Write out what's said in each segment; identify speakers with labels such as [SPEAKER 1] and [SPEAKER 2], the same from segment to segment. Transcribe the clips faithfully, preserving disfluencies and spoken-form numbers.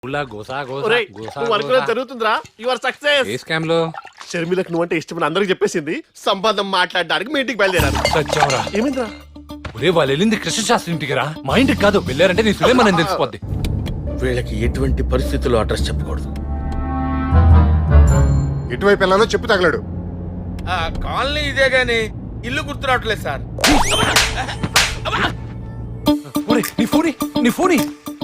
[SPEAKER 1] జరుగుతుందిరా your success.
[SPEAKER 2] ఏ scam లో?
[SPEAKER 1] షర్మిలకు నువ్వంటే ఇష్టమని అందరికి చెప్పేసింది. సంబంధం మాట్లాడడానికి మీ ఇంటికి బయలుదేరారు.
[SPEAKER 2] సత్యంరా.
[SPEAKER 1] ఏమిందిరా?
[SPEAKER 2] ఒరే వాళ్ళు వెళ్ళింది కృష్ణశాస్త్రి ఇంటికి రా, మా ఇంటికి కాదు. వెళ్ళారంటే నీ సులేమని తెలిసిపోద్ది.
[SPEAKER 1] వీళ్ళకి ఎటువంటి పరిస్థితుల్లో అడ్రస్ చెప్పకూడదు.
[SPEAKER 3] ఎటువైపు వెళ్ళాలో చెప్పు తగలడు.
[SPEAKER 4] కాలనీ ఇదే గాని ఇల్లు గుర్తు రావట్లేదు సార్.
[SPEAKER 2] ఒరే నీ ఫోని నీ ఫోని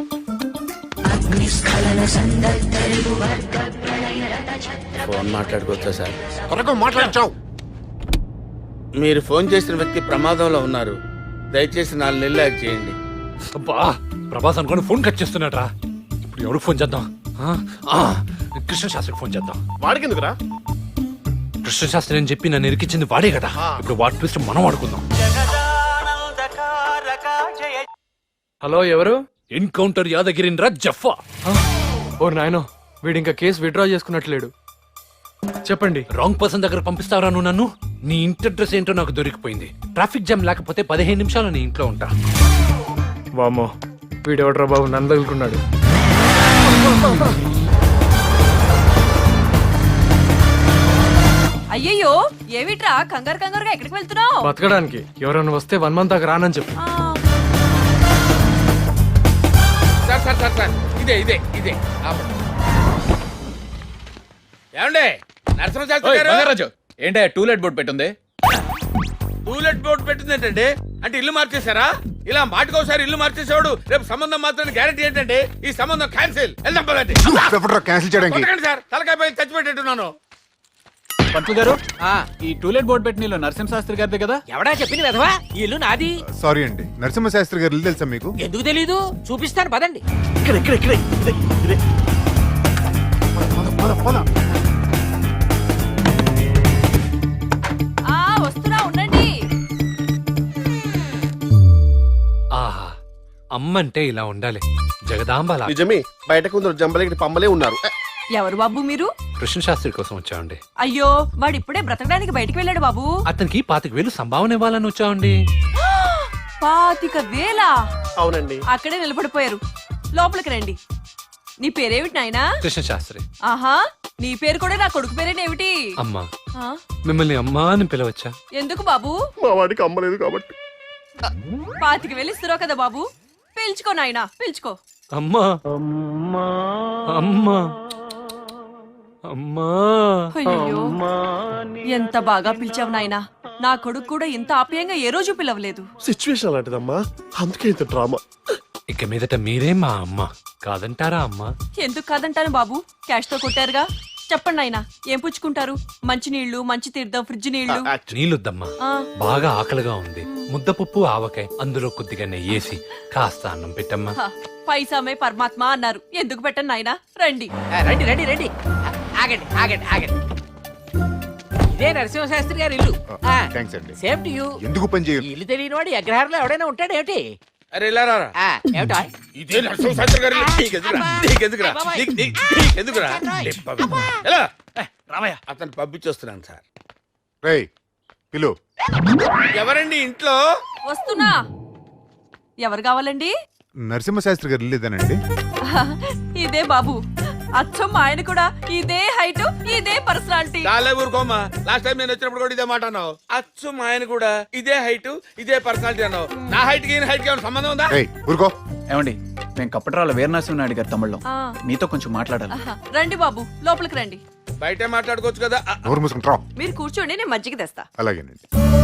[SPEAKER 4] ఫోన్ మాట్లాడుకోవచ్చా సార్?
[SPEAKER 3] త్వరగా మాట్లాడచావు.
[SPEAKER 4] మీరు ఫోన్ చేసిన వ్యక్తి ప్రమాదంలో ఉన్నారు. దయచేసి నాలుగు నెలలు యాక్ట్ చేయండి.
[SPEAKER 2] అబ్బా ప్రభాస్ అనుకోని ఫోన్ కట్ చేస్తున్నాడు రా. ఇప్పుడు ఎవరికి ఫోన్ చేద్దాం? కృష్ణశాస్త్రికి ఫోన్ చేద్దాం.
[SPEAKER 1] వాడికి ఎందుకురా?
[SPEAKER 2] కృష్ణశాస్త్రి అని చెప్పి నన్ను ఇరికించింది వాడే కదా. ఇప్పుడు వాటి ట్విస్ట్ మనం ఆడుకుందాం.
[SPEAKER 5] హలో, ఎవరు?
[SPEAKER 2] ఎన్కౌంటర్ యాదగిరిన్రా జఫా.
[SPEAKER 5] ఓ నాయనో, వీడు ఇంకా కేసు విత్డ్రా చేసుకున్నట్లేడు. చెప్పండి.
[SPEAKER 2] రాంగ్ పర్సన్ దగ్గర పంపిస్తావరా నువ్వు నన్ను? నీ ఇంటి అడ్రస్ ఏంటో నాకు దొరికిపోయింది. ట్రాఫిక్ జామ్ లేకపోతే పదిహేను నిమిషాలు నీ ఇంట్లో ఉంటా.
[SPEAKER 5] వామ్మో, వీడెవడ్రా బాబు నన్ను తగులుకున్నాడు.
[SPEAKER 6] అయ్యయ్యో, ఏమిట్రా కంగారు కంగారుగా ఎక్కడికి వెళ్తున్నావు?
[SPEAKER 5] బతకడానికి. ఎవరన్నా వస్తే వన్ మంత్ దాకా రానని చెప్పు.
[SPEAKER 4] సార్ సార్ సార్ సార్ ఇదే ఇదే ఇదే ఏమండే నరసింహశాస్త్రి గారు?
[SPEAKER 7] ఏంటే టూలెట్ బోర్డు పెట్టుంది?
[SPEAKER 4] టూలెట్ బోర్డు పెట్టింది ఏంటండి? అంటే ఇల్లు మార్చేశారా? ఇలా మాటకోసారి ఇల్లు మార్చేసేవాడు రేపు సంబంధం మాత్రం గ్యారెంటీ ఏంటంటే ఈ సంబంధం క్యాన్సిల్. వెళ్దాం పదండి.
[SPEAKER 3] క్యాన్సిల్ చేయడానికి
[SPEAKER 4] సార్ తలకాయ పై చచ్చిపెట్టేట్టున్నాను.
[SPEAKER 7] పంతులు గారు, ఈ టూలెట్ బోర్డు పెట్టిన ఇల్లు నరసింహశాస్త్రి గారిదే కదా?
[SPEAKER 8] ఎవడా చెప్పింది వెధవా? ఈ ఇల్లు నాది.
[SPEAKER 3] సారీ అండి, నరసింహశాస్త్రి గారు ఇల్లు తెలుసా మీకు?
[SPEAKER 8] ఎందుకు తెలీదు? చూపిస్తాను పదండి.
[SPEAKER 1] ఇక్కడ ఇక్కడ ఇక్కడ ఇదే, ఇదే. పద, పద, పద.
[SPEAKER 6] ఆ వస్తున్నా, ఉండండి.
[SPEAKER 2] ఆహా, అమ్మంటే ఇలా ఉండాలి. జగదాంబాల.
[SPEAKER 1] నిజమే, బయట కొందరు జంబలకి పంబలే ఉన్నారు.
[SPEAKER 6] ఎవరు బాబు మీరు?
[SPEAKER 2] కృష్ణశాస్త్రి కోసం వచ్చామండి.
[SPEAKER 6] అయ్యో, వాడు ఇప్పుడే బ్రతకడానికి బయటికి వెళ్ళాడు బాబు.
[SPEAKER 2] అతనికి పాతిక వేలు సంభావన ఇవ్వాలని వచ్చామండి.
[SPEAKER 6] పాతిక వేల?
[SPEAKER 1] అవునండి.
[SPEAKER 6] అక్కడే నిలబడిపోయారు. లోపలికి రండి. నీ పేరేమిటి నాయనా?
[SPEAKER 2] కృష్ణశాస్త్రి.
[SPEAKER 6] ఆహా, నీ పేరు కూడా నా కొడుకు పేరేనేమిటి?
[SPEAKER 2] అమ్మా.
[SPEAKER 6] ఆ?
[SPEAKER 2] మిమ్మల్ని అమ్మా అని పిలవచ్చా?
[SPEAKER 6] ఎందుకు బాబు?
[SPEAKER 1] మా వాడికి అమ్మలేదు కాబట్టి.
[SPEAKER 6] పాతిక వేలు ఇస్తున్నావు కదా బాబు, పిలుచుకో నాయనా, పిలుచుకో.
[SPEAKER 2] అమ్మా అమ్మా అమ్మా.
[SPEAKER 6] అయ్యో, ఎంత బాగా పిలిచావు నాయనా. నా కొడుకు కూడా ఇంత ఆప్యాయంగా ఏ రోజు పిలవలేదు.
[SPEAKER 1] సిచ్యువేషన్ అలాంటిదమ్మా, అందుకే ఇంత డ్రామా.
[SPEAKER 2] ఇక మీదట మీరే మా అమ్మ, కాదంటారా అమ్మా?
[SPEAKER 6] ఎందుకు కాదంటాను బాబు, క్యాష్ తో కొట్టారుగా. చెప్పండి నాయనా, ఏం పుచ్చుకుంటారు? మంచి నీళ్లు, మంచి తీర్థం, ఫ్రిడ్జ్ నీళ్లు.
[SPEAKER 2] నీళ్ళొద్దమ్మా,
[SPEAKER 6] ఆ.
[SPEAKER 2] బాగా ఆకలిగా ఉంది. ముద్దపప్పు ఆవకాయ, అందులో కొద్దిగా నెయ్యేసి కాస్త అన్నం పెట్టమ్మా.
[SPEAKER 6] హ, పైసామే పరమాత్మ అన్నారు, ఎందుకు పెట్టండి నాయనా. రండి.
[SPEAKER 8] ఆ, రండి రండి రండి. ఆగండి ఆగండి ఆగండి. ఇదే నరసింహశాస్త్రి గారి ఇల్లు.
[SPEAKER 3] థ్యాంక్స్ అండి.
[SPEAKER 8] Same to you.
[SPEAKER 3] ఎందుకు పని
[SPEAKER 8] ఈ
[SPEAKER 3] చేయరు?
[SPEAKER 8] ఇల్లు తెలియని వాడు అగ్రహారంలో ఎవడైనా ఉంటాడేమిటి?
[SPEAKER 4] అరే ఇలా రారా.
[SPEAKER 8] ఆ, ఏమిటా?
[SPEAKER 4] ఇదే నరసింహశాస్త్రి గారి ఇల్లు. నీకెందుకురా? నీకెందుకురా? నీకు- నీకు- నీకెందుకురా? ఎలా?
[SPEAKER 7] రామయ్య,
[SPEAKER 4] అతను పంపించొస్తున్నాను సార్.
[SPEAKER 3] రేయ్ పిలు.
[SPEAKER 4] ఎవరండి ఇంట్లో?
[SPEAKER 6] వస్తున్నా. ఎవరు కావాలండి?
[SPEAKER 3] నరసింహశాస్త్రి గారు ఇల్లు ఇదేనండి.
[SPEAKER 6] ఇదే బాబు, అచ్చం ఆయన కూడా ఇదే హైట్, ఇదే పర్సనాలిటీ.
[SPEAKER 4] చాలా ఊరుకోమా, లాస్ట్ టైం నేను వచ్చినప్పుడు కూడా ఇదే మాట అన్నావు. అచ్చు మా ఆయన కూడా ఇదే హైట్ ఇదే పర్సనాలిటీ అన్నావు. నా హైట్ కి హైట్ కి ఏమైనా సంబంధం ఉందా?
[SPEAKER 3] రేయ్ ఊరుకో.
[SPEAKER 7] ఏమండి, మేము కప్పట్రాల వీరనరసింహనాయుడు గారి తమ్ముళ్ళం.
[SPEAKER 6] ఆ.
[SPEAKER 7] మీతో కొంచెం మాట్లాడాలి.
[SPEAKER 6] ఆహా, రండి బాబు, లోపలికి రండి.
[SPEAKER 4] బయటే మాట్లాడుకోవచ్చు కదా. ఆ,
[SPEAKER 3] నోరు మూసుకుంటారా?
[SPEAKER 6] మీరు కూర్చోండి, నేను మజ్జిగ తెస్తా.
[SPEAKER 3] అలాగేనండి.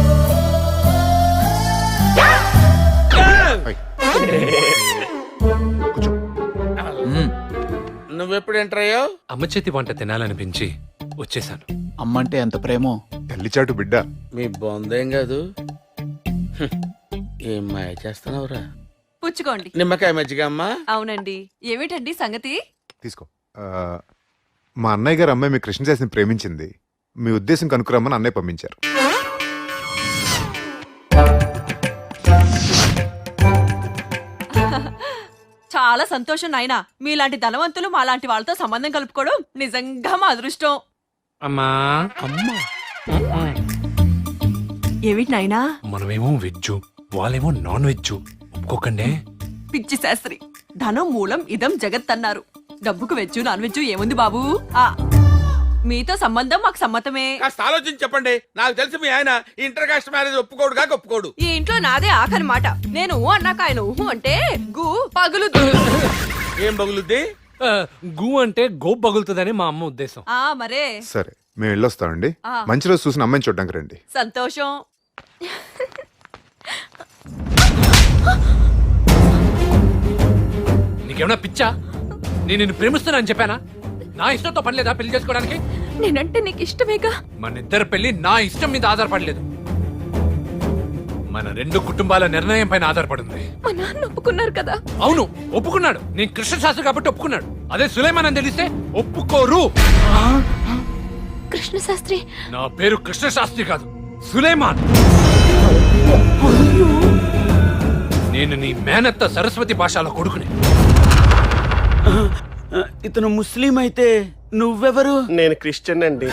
[SPEAKER 3] కూర్చో.
[SPEAKER 7] మ్మ్.
[SPEAKER 4] నువ్వెప్పుడు ఎంటర్ అయ్యావు?
[SPEAKER 2] అమ్మ చేతి వంట తినాలనిపించి వచ్చేసాను.
[SPEAKER 7] అమ్మంటే ఎంత ప్రేమో.
[SPEAKER 3] తల్లిచాటు బిడ్డ.
[SPEAKER 4] మీ బొందేం కాదు. హ్మ్. ఏం మాయ చేస్తున్నావురా?
[SPEAKER 6] పుచ్చుకోండి.
[SPEAKER 4] నిమ్మకాయ మజ్జిగ అమ్మా.
[SPEAKER 6] అవునండి. ఏమిటండి సంగతి?
[SPEAKER 3] తీసుకో. ఆ, మా అన్నయ్య గారు అమ్మాయి మీ కృష్ణశాస్త్రిని ప్రేమించింది. మీ ఉద్దేశం కనుక్కురమ్మని అన్నయ్య పంపించారు.
[SPEAKER 6] చాలా సంతోషం నాయనా. మీలాంటి ధనవంతులు మాలాంటి వాళ్ళతో సంబంధం కలుపుకోవడం నిజంగా మా అదృష్టం.
[SPEAKER 2] అమ్మా అమ్మా.
[SPEAKER 6] ఏమిటి నాయనా?
[SPEAKER 2] మనమేమో వెజ్, వాళ్ళేమో నాన్ వెజ్. ఒప్పుకోకండి.
[SPEAKER 6] పిచ్చి శాస్త్రి, ధనం మూలం ఇదం జగత్ అన్నారు. డబ్బుకు వెజ్జు నాన్ వెజ్జు ఏముంది బాబు ఆ మీతో సంబంధం మాకు సమ్మతమే.
[SPEAKER 4] కాస్త ఆలోచించి చెప్పండి. నాకు తెలిసి మీ ఆయన ఇంటర్ కాస్ట్ మ్యారేజ్ ఒప్పుకోడు కాక ఒప్పుకోడు.
[SPEAKER 6] ఈ ఇంట్లో నాదే ఆఖరి మాట. నేను ఊ అన్నాక ఆయన ఊహు అంటే గు పగులు.
[SPEAKER 4] ఏం బగులుద్ది?
[SPEAKER 2] ఆ, గు అంటే గోప్ పగులుతుందని మా అమ్మ ఉద్దేశం.
[SPEAKER 6] ఆ మరే
[SPEAKER 3] సరే మేము వెళ్ళొస్తామండి.
[SPEAKER 6] ఆ.
[SPEAKER 3] మంచి రోజు చూసిన అమ్మాయిని చూడడానికి రండి.
[SPEAKER 6] సంతోషం.
[SPEAKER 2] నీకేమన్నా పిచ్చా? నేను నిన్ను ప్రేమిస్తున్నానని చెప్పానా? నా ఇష్టంతో పని లేదా పెళ్లి చేసుకోవడానికి?
[SPEAKER 6] నేనంటే నీకు ఇష్టమేగా.
[SPEAKER 2] మన ఇద్దరు పెళ్లి నా ఇష్టం మీద ఆధారపడలేదు, మన రెండు కుటుంబాల నిర్ణయం పైన ఆధారపడింది.
[SPEAKER 6] మా నాన్న ఒప్పుకున్నారు కదా.
[SPEAKER 2] అవును ఒప్పుకున్నాడు. నేను కృష్ణ శాస్త్రి కాబట్టి ఒప్పుకున్నాడు. అదే సులేమాన్ అని తెలిస్తే ఒప్పుకోరు.
[SPEAKER 6] కృష్ణ శాస్త్రి
[SPEAKER 2] నా పేరు కృష్ణ శాస్త్రి కాదు, సులేమాన్. నేను నీ మేనత్త సరస్వతి భాషల కొడుకుని.
[SPEAKER 9] ఇతను ముస్లిం అయితే నువ్వెవరు?
[SPEAKER 1] నేను క్రిస్టియన్ అండి.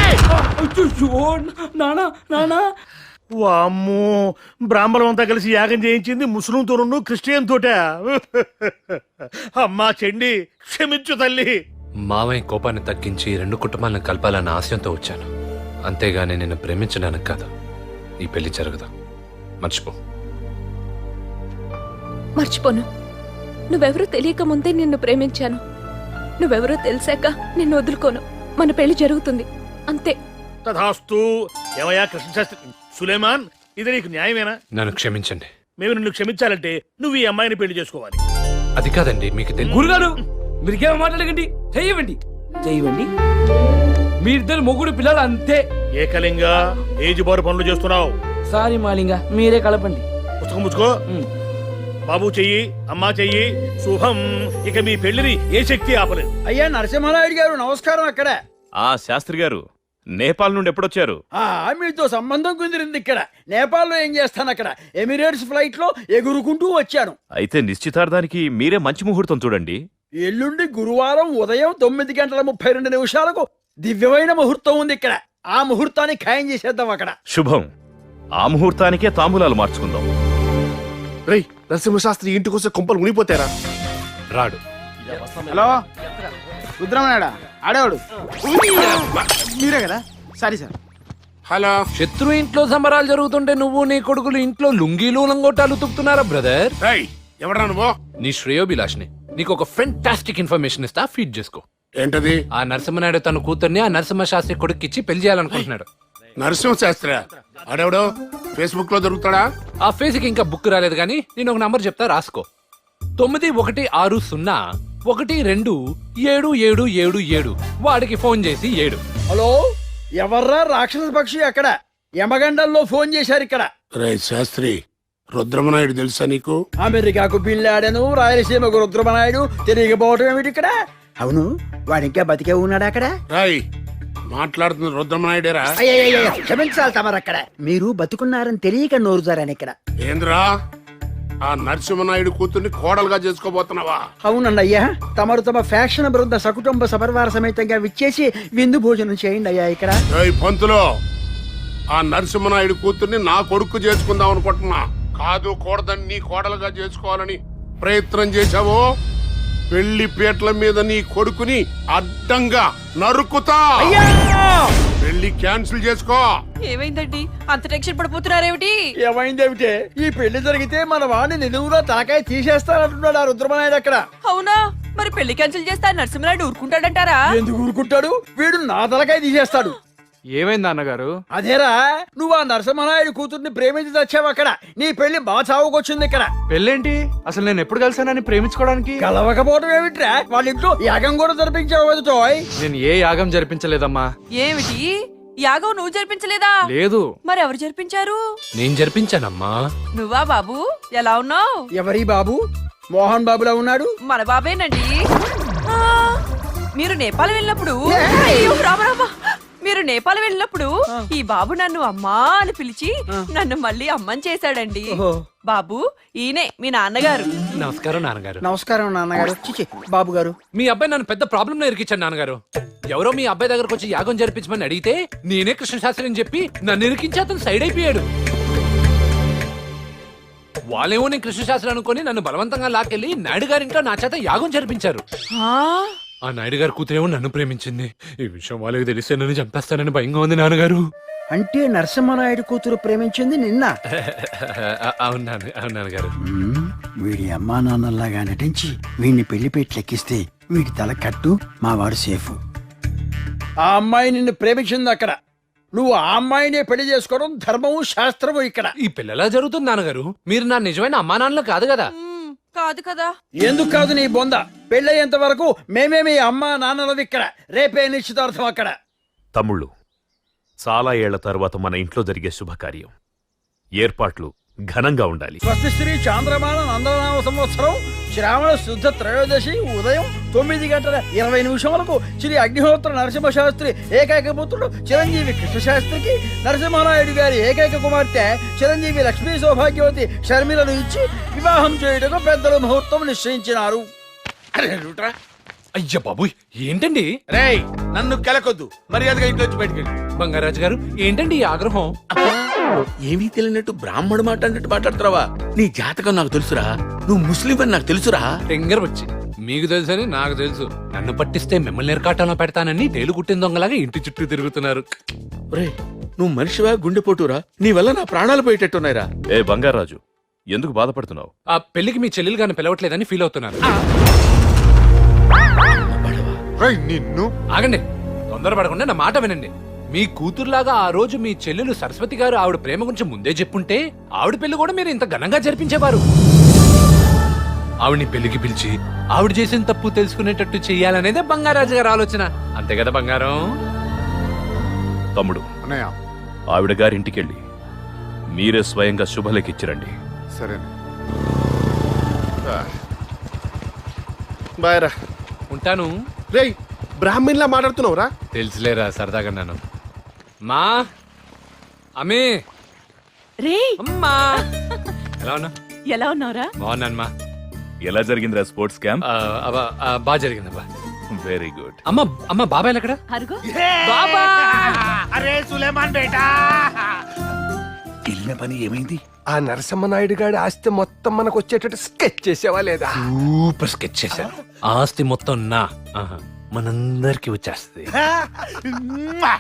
[SPEAKER 9] నానా నానా
[SPEAKER 10] వామ్మో, బ్రాహ్మణం అంతా కలిసి యాగం చేయించింది ముస్లిం తోను క్రిస్టియన్ తోట. అమ్మా చెండి, క్షమించు తల్లి.
[SPEAKER 2] మావయ్య కోపాన్ని తగ్గించి రెండు కుటుంబాలను కలపాలన్న ఆశయంతో వచ్చాను. అంతేగాని నిన్ను ప్రేమించడానికి కాదు. ఈ పెళ్లి జరగదు, మర్చిపో.
[SPEAKER 11] మర్చిపోను. నువ్వెవరో తెలియక ముందే నిన్ను ప్రేమించాను. నువ్వెవరో తెలిసాక నిన్ను వదులుకోను. మన పెళ్లి జరుగుతుంది అంతే.
[SPEAKER 10] తథాస్తు. ఏమయ్యా కృష్ణశాస్త్రి, సులేమాన్, ఇది నీకు న్యాయమేనా?
[SPEAKER 2] నన్ను క్షమించండి.
[SPEAKER 10] మేము నిన్ను క్షమించాలంటే నువ్వు ఈ అమ్మాయిని పెళ్లి చేసుకోవాలి.
[SPEAKER 2] అది కాదండి, మీకు తెలియదు.
[SPEAKER 7] గురుగారు మీరికేమో మాట్లాడకండి, చెయ్యవండి చెయ్యవండి. మీరిద్దరు మొగుడు పిల్లలు అంతే.
[SPEAKER 10] ఏకలింగా ఏజ్ బారు పనులు చేస్తున్నావు.
[SPEAKER 7] సారీ మాలింగా, మీరే కలపండి.
[SPEAKER 10] పుస్తకం ముచ్చుకో. బాబు చెయ్యి, అమ్మా చెయ్యి, శుభం. ఇక మీ పెళ్లిని ఏ శక్తి ఆపలేదు.
[SPEAKER 9] అయ్యా నరసింహారాయుడు గారు నమస్కారం. అక్కడ
[SPEAKER 12] ఆ శాస్త్రి గారు నేపాల్ నుండి ఎప్పుడొచ్చారు?
[SPEAKER 9] ఆ మీతో సంబంధం కుదిరింది. ఇక్కడ నేపాల్లో ఏం చేస్తాను? అక్కడ ఎమిరేట్స్ ఫ్లైట్ లో ఎగురుకుంటూ వచ్చాను.
[SPEAKER 12] అయితే నిశ్చితార్థానికి మీరే మంచి ముహూర్తం చూడండి.
[SPEAKER 9] ఎల్లుండి గురువారం ఉదయం తొమ్మిది గంటల ముప్పై రెండు నిమిషాలకు దివ్యమైన ముహూర్తం ఉంది ఇక్కడ. ఆ ముహూర్తాన్ని ఖాయం చేసేద్దాం అక్కడ.
[SPEAKER 12] శుభం. ఆ ముహూర్తానికే తాంబూలాలు మార్చుకుందాం.
[SPEAKER 1] రేయ్, నరసింహశాస్త్రి ఇంటికి వస్తే కొంపలు మునిపోతారా?
[SPEAKER 2] రాడు.
[SPEAKER 9] హలో రుద్రమనాడా, ఆడేవాడు మీరే కదా? Sorry sir.
[SPEAKER 1] హలో.
[SPEAKER 2] శత్రు ఇంట్లో సంబరాలు జరుగుతుంటే నువ్వు నీ కొడుకులు ఇంట్లో లుంగీలు లంగోటాలు తుక్కుతున్నారా బ్రదర్?
[SPEAKER 1] రేయ్, ఎవడా నువ్వు?
[SPEAKER 2] నీ శ్రేయోభిలాష్ని. నీకు ఒక ఫెంటాస్టిక్ ఇన్ఫర్మేషన్ ఇస్తా, ఫీడ్ చేసుకో.
[SPEAKER 1] ఏంటది?
[SPEAKER 2] ఆ నరసింహనాయుడు తన కూతుర్ని ఆ నరసింహ శాస్త్రి కొడుక్కిచ్చి పెళ్లి చేయాలనుకుంటున్నాడు.
[SPEAKER 1] నరసింహశాస్త్రి ఆడెవడో ఫేస్బుక్ లో దొరుకుతాడా?
[SPEAKER 2] ఆ ఫేస్కి ఇంకా బుక్ రాలేదు కానీ నేను ఒక నంబర్ చెప్తా, రాసుకో. తొమ్మిది ఒకటి ఆరు సున్నా ఒకటి రెండు ఏడు ఏడు ఏడు ఏడు. వాడికి ఫోన్ చేసి ఏడు.
[SPEAKER 9] హలో, ఎవర్రా రాక్షస పక్షి? అక్కడ యమగండల్లో ఫోన్ చేశారు ఇక్కడ.
[SPEAKER 1] రే శాస్త్రి, రుద్రమనాయుడు తెలుసా నీకు?
[SPEAKER 9] అమెరికాకు బిల్లాడను, రాయలసీమకు రుద్రమనాయుడు తిరిగిపోవటం ఏమిటి ఇక్కడ? అవును, వాడు ఇంకా బతికే ఉన్నాడు అక్కడ.
[SPEAKER 1] రాయ్, మాట్లాడుతున్న రుద్రమనాయుడేరా?
[SPEAKER 9] క్షమించాలి తమరు. అక్కడ మీరు బతుకున్నారని తెలియక నోరు జారాను ఇక్కడ.
[SPEAKER 1] ఏంద్రా, ఆ నరసింహనాయుడు కూతుర్ని కోడలుగా చేసుకోబోతున్నావా?
[SPEAKER 9] అవునండి అయ్యా, తమరు తమ ఫ్యాక్షన్ బృంద సకుటుంబ సపరివార సమేతంగా విచ్చేసి విందు భోజనం చేయండి అయ్యా ఇక్కడ.
[SPEAKER 1] ఏయ్ పంతులో, ఆ నరసింహనాయుడు కూతుర్ని నా కొడుకు చేసుకుందాం అనుకుంటున్నా. కాదు, కూడదని నీ కోడలుగా చేసుకోవాలని ప్రయత్నం చేశావో పెళ్లి పీటల మీద నీ కొడుకుని అడ్డంగా నరుకుతా. పెళ్లి క్యాన్సిల్ చేసుకో.
[SPEAKER 6] ఏమైందండి అంత టెన్షన్ పడిపోతున్నారేమిటి?
[SPEAKER 9] ఏమైందేమిటే, ఈ పెళ్లి జరిగితే మన వాడిని నిలువుగా తలకాయ తీసేస్తానంటున్నాడు ఆ రుద్రమనాయుడు అక్కడ.
[SPEAKER 6] అవునా? మరి పెళ్లి క్యాన్సిల్ చేస్తే ఆ నరసింహనాయుడు ఊరుకుంటాడంటారా?
[SPEAKER 9] ఎందుకు ఊరుకుంటాడు? వీడు నా తలకాయ తీసేస్తాడు.
[SPEAKER 5] ఏమైంది అన్నగారు?
[SPEAKER 9] అదేరా, నువ్వు ఆ నరసింహనాయుడు కూతుర్ని ప్రేమించి తెచ్చావు అక్కడ. నీ పెళ్లి మా చావుకొచ్చింది ఇక్కడ.
[SPEAKER 5] పెళ్ళేంటి? అసలు నేను ఎప్పుడు కలిసానని ప్రేమించుకోవడానికి?
[SPEAKER 9] కలవకపోవడం ఏమిట్రా? వాళ్ళ ఇంట్లో యాగం కూడా జరిపించావు కదా టోయ్.
[SPEAKER 5] నేను ఏ యాగం జరిపించలేదమ్మా.
[SPEAKER 6] ఏమిటి యాగం నువ్వు జరిపించలేదా?
[SPEAKER 5] లేదు.
[SPEAKER 6] మరి ఎవరు జరిపించారు?
[SPEAKER 2] నేను జరిపించానమ్మా.
[SPEAKER 6] నువ్వా బాబు? ఎలా ఉన్నావు?
[SPEAKER 9] ఎవరి బాబు? మోహన్ బాబులా ఉన్నాడు.
[SPEAKER 6] మన బాబేనండి. ఆ, మీరు నేపాల్ వెళ్ళినప్పుడు అయ్యో, రామ రామ. మీరు నేపాల్ వెళ్ళినప్పుడు ఈ బాబు నన్ను అమ్మా అని పిలిచి నన్ను మళ్ళీ అమ్మని చేశాడండి. బాబు, ఈయనే మీ నాన్నగారు.
[SPEAKER 2] నమస్కారం నాన్నగారు.
[SPEAKER 9] నమస్కారం నాన్నగారు. చిచి, బాబు గారు.
[SPEAKER 2] మీ అబ్బాయి నన్ను పెద్ద ప్రాబ్లం లో ఇరికించాడు నాన్నగారు. ఎవరో మీ అబ్బాయి దగ్గరకు వచ్చి యాగం జరిపించమని అడిగితే నేనే కృష్ణ శాస్త్రి అని చెప్పి నన్ను ఇరికించి అతను సైడ్ అయిపోయాడు. వాళ్ళేమో నేను కృష్ణశాస్త్రి అనుకుని నన్ను బలవంతంగా లాకెళ్లి నాయుడు గారింట్లో నా చేత యాగం జరిపించారు.
[SPEAKER 6] ఆ,
[SPEAKER 2] ఆ నాయుడు గారి కూతురేమో నన్ను ప్రేమించింది. ఈ విషయం వాళ్ళకి తెలిస్తే నన్ను చంపేస్తానని భయంగా ఉంది నాన్నగారు.
[SPEAKER 9] అంటే నరసింహనాయుడు కూతురు ప్రేమించింది నిన్న.
[SPEAKER 2] అవునాను అవునాను గారు.
[SPEAKER 9] మ్మ్, వీడి అమ్మా నాన్నల్లాగా నటించి వీడిని పెళ్లి పెట్లెక్కిస్తే వీడి తల కట్టు మా వాడు సేఫ్. ఆ అమ్మాయి నిన్ను ప్రేమించింది అక్కడ, నువ్వు ఆ అమ్మాయినే పెళ్లి చేసుకోవడం ధర్మము శాస్త్రము ఇక్కడ.
[SPEAKER 2] ఈ పిల్లలా జరుగుతుంది నాన్నగారు. మీరు నా నిజమైన అమ్మా నాన్నలు కాదు కదా.
[SPEAKER 6] మ్, కాదు కదా.
[SPEAKER 9] ఎందుకు కాదు నీ బొంద, పెళ్ళయ్యేంత వరకు మేమే మీ అమ్మా నాన్నలవి ఇక్కడ, రేపే నిశ్చితార్థం అక్కడ.
[SPEAKER 12] తమ్ముళ్ళు, చాలా ఏళ్ల తర్వాత మన ఇంట్లో జరిగే శుభకార్యం. ఏర్పాట్లు ఘనంగా ఉండాలి.
[SPEAKER 9] స్వస్తి శ్రీ చాంద్రమాన నందనామ సంవత్సరం శ్రావణ శుద్ధ త్రయోదశి ఉదయం తొమ్మిది గంటల ఇరవై నిమిషములకు శ్రీ అగ్నిహోత్ర నరసింహ శాస్త్రి ఏకైక పుత్రుడు చిరంజీవి కృష్ణశాస్త్రికి నరసింహనాయుడు గారి ఏకైక కుమార్తె చిరంజీవి లక్ష్మీ సౌభాగ్యవతి షర్మిలను ఇచ్చి వివాహం చేయుటకు పెద్దలు ముహూర్తం నిశ్చయించినారు.
[SPEAKER 4] అరే రూట్రా.
[SPEAKER 2] అయ్య బాబుయ్, ఏంటండి?
[SPEAKER 4] రేయ్, నన్ను కెలకొద్దు, మర్యాదగా ఇంట్లో వచ్చి బయటికి వెళ్ళి.
[SPEAKER 2] బంగారాజు గారు, ఏంటండి ఈ ఆగ్రహం?
[SPEAKER 4] ఏమీ తెలియనట్టు బ్రాహ్మడు మాట అన్నట్టు మాట్లాడుతున్నావా? నీ జాతకం నాకు తెలుసురా, నువ్వు ముస్లిం అని నాకు తెలుసురా.
[SPEAKER 2] టెంగర్ వచ్చి మీకు తెలుసని నాకు తెలుసు. నన్ను పట్టిస్తే మిమ్మల్ని ఎరకాటంలో పెడతానని తేలు కుట్టిన దొంగలాగా ఇంటి చుట్టూ తిరుగుతున్నారు.
[SPEAKER 4] రే, నువ్వు మనిషివా గుండెపోటురా? నీ వల్ల నా ప్రాణాలు పోయేటట్టున్నాయిరా.
[SPEAKER 12] ఏ బంగారాజు, ఎందుకు బాధపడుతున్నావు?
[SPEAKER 2] ఆ పెళ్లికి మీ చెల్లెలు గారిని పిలవట్లేదని ఫీల్ అవుతున్నాను.
[SPEAKER 3] రేయ్, నిన్ను
[SPEAKER 2] ఆగండి, తొందరపడకుండా నా మాట వినండి. మీ కూతురులాగా ఆ రోజు మీ చెల్లెలు సరస్వతి గారు ఆవిడ ప్రేమ గురించి ముందే చెప్పుంటే ఆవిడ పెళ్లి కూడా మీరు ఇంత ఘనంగా జరిపించేవారు. ఆవిడ్ని పెళ్లికి పిలిచి ఆవిడ చేసిన తప్పు తెలుసుకునేటట్టు చెయ్యాలనేదే బంగారాజు గారి ఆలోచన. అంతే కదా బంగారం?
[SPEAKER 12] తమ్ముడు,
[SPEAKER 3] అన్నయ్య.
[SPEAKER 12] ఆవిడ గారింటికెళ్ళి మీరే స్వయంగా శుభలేఖిచ్చిరండి.
[SPEAKER 3] సరే.
[SPEAKER 1] బాయరా.
[SPEAKER 2] ఉంటాను.
[SPEAKER 1] రేయ్, బ్రాహ్మణ్లా మాట్లాడుతున్నావురా?
[SPEAKER 2] తెలుసులేరా, సరదాగా నన్ను. మా అమ్మే,
[SPEAKER 6] రే,
[SPEAKER 2] అమ్మా, ఎలా ఉన్నా?
[SPEAKER 6] ఎలా ఉన్నావురా?
[SPEAKER 2] బాగున్నాను మా.
[SPEAKER 12] ఎలా జరిగిందిరా స్పోర్ట్స్ క్యాంప్?
[SPEAKER 2] ఆ, అబ్బా, ఆ, బాగా జరిగిందబ్బా.
[SPEAKER 12] Very good.
[SPEAKER 2] అమ్మ అమ్మ బాబాయ్ ఎక్కడ?
[SPEAKER 6] అరుగో.
[SPEAKER 2] బాబా,
[SPEAKER 10] అరే సులేమాన్ బేటా,
[SPEAKER 4] వెళ్ళిన పని ఏమైంది?
[SPEAKER 9] ఆ నరసింహనాయుడు గారి ఆస్తి మొత్తం మనకు వచ్చేటట్టు స్కెచ్ చేసేవా లేదా?
[SPEAKER 2] సూపర్ స్కెచ్ చేశాను. ఆస్తి మొత్తం నా, ఆహా, మనందరికి వచ్చేస్తుంది.